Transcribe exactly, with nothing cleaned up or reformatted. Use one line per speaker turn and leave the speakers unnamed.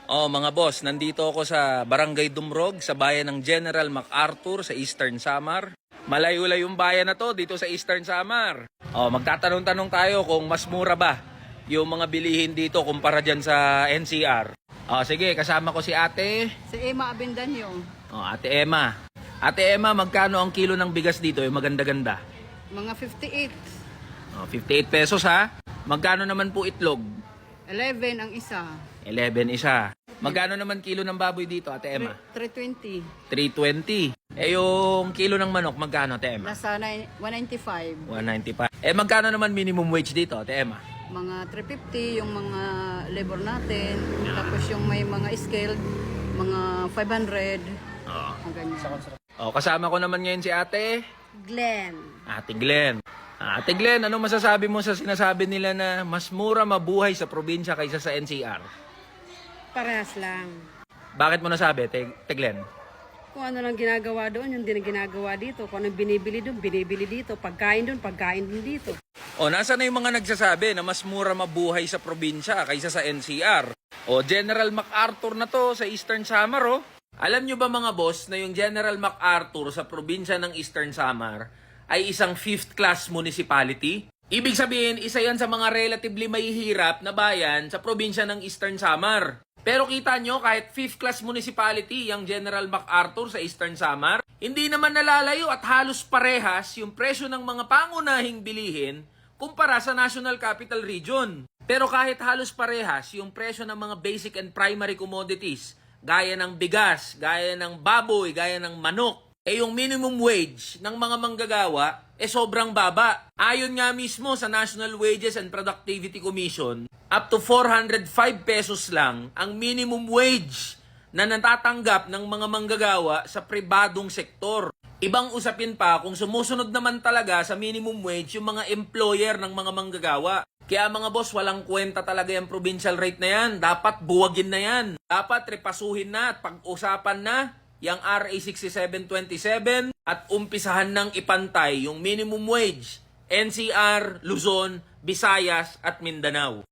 Oh, mga boss, nandito ako sa Barangay Dumrog, sa bayan ng General MacArthur sa Eastern Samar. Malayo-layo yung bayan na to dito sa Eastern Samar. Oh, magtatanong-tanong tayo kung mas mura ba yung mga bilihin dito kumpara dyan sa N C R. Oh, sige, kasama ko si ate.
Si Emma Abendanyo.
Oh, ate Emma. Ate Emma, magkano ang kilo ng bigas dito? Yung maganda-ganda.
Mga fifty-eight.
Oh, fifty-eight pesos ha. Magkano naman po itlog?
eleven ang isa.
eleven isa. Magkano naman kilo ng baboy dito, ate Emma?
three twenty.
three twenty. Eh yung kilo ng manok, magkano, ate Emma?
Nasa one ninety-five.
one ninety-five. Eh magkano naman minimum wage dito, ate Emma?
Mga three fifty yung mga labor natin. Tapos yung may mga skilled, mga five hundred.
Oo.
Ang ganyan.
Oh, kasama ko naman ngayon si ate.
Glenn.
Ate Glenn. Ah, Ate Glenn, ano masasabi mo sa sinasabi nila na mas mura mabuhay sa probinsya kaysa sa N C R?
Parehas lang.
Bakit mo nasabi, Te, Te Glenn?
Kung ano lang ginagawa doon, yung din ang ginagawa dito. Kung anong binibili doon, binibili dito. Pagkain doon, pagkain din dito.
O, nasa na yung mga nagsasabi na mas mura mabuhay sa probinsya kaysa sa N C R? O, General MacArthur na to sa Eastern Samar, oh. Alam nyo ba mga boss na yung General MacArthur sa probinsya ng Eastern Samar ay isang fifth class municipality? Ibig sabihin, isa yan sa mga relatively mahihirap na bayan sa probinsya ng Eastern Samar. Pero kita nyo, kahit fifth class municipality yung General MacArthur sa Eastern Samar, hindi naman nalalayo at halos parehas yung presyo ng mga pangunahing bilihin kumpara sa National Capital Region. Pero kahit halos parehas yung presyo ng mga basic and primary commodities, gaya ng bigas, gaya ng baboy, gaya ng manok, eh yung minimum wage ng mga manggagawa eh sobrang baba. Ayon nga mismo sa National Wages and Productivity Commission, up to four hundred five pesos lang ang minimum wage na natatanggap ng mga manggagawa sa pribadong sektor. Ibang usapin pa kung sumusunod naman talaga sa minimum wage yung mga employer ng mga manggagawa. Kaya mga boss, walang kwenta talaga yung provincial rate na yan. Dapat buwagin na yan. Dapat repasuhin na at pag-usapan na yung R A sixty-seven twenty-seven at umpisahan ng ipantay yung minimum wage N C R, Luzon, Visayas at Mindanao.